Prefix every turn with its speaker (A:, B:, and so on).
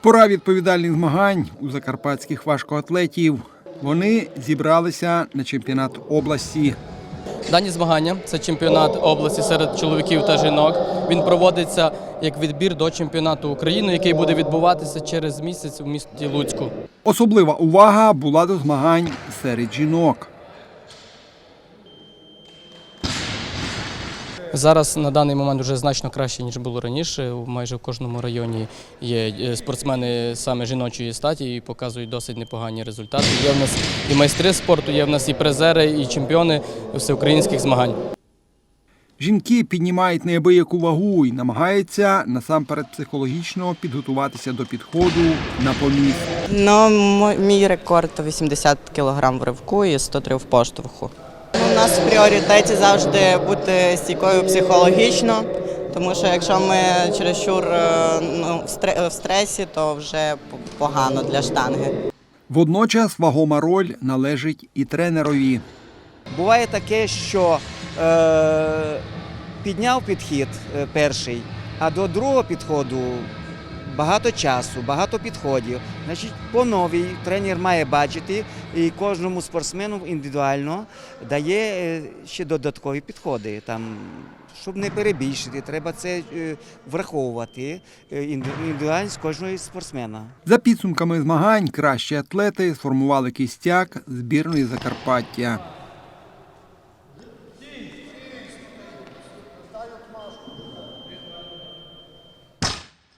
A: Пора відповідальних змагань у закарпатських важкоатлетів. Вони зібралися на чемпіонат області.
B: Дані змагання – це чемпіонат області серед чоловіків та жінок. Він проводиться як відбір до чемпіонату України, який буде відбуватися через місяць у місті Луцьку.
A: Особлива увага була до змагань серед жінок.
B: Зараз на даний момент вже значно краще, ніж було раніше. Майже в кожному районі є спортсмени саме жіночої статі і показують досить непогані результати. Є в нас і майстри спорту, є в нас і призери, і чемпіони всеукраїнських змагань.
A: Жінки піднімають неабияку вагу і намагаються насамперед психологічно підготуватися до підходу на поміст.
C: Мій рекорд – 80 кг в ривку і 103 в поштовху. У нас в пріоритеті завжди бути стійкою психологічно, тому що якщо ми чересчур в стресі, то вже погано для штанги.
A: Водночас вагома роль належить і тренерові.
D: Буває таке, що підняв підхід перший, а до другого підходу багато часу, багато підходів. Значить, по новій тренер має бачити і кожному спортсмену індивідуально дає ще додаткові підходи. Щоб не перебільшити, треба це враховувати індивідуальність кожного спортсмена.
A: За підсумками змагань кращі атлети сформували кістяк збірної Закарпаття.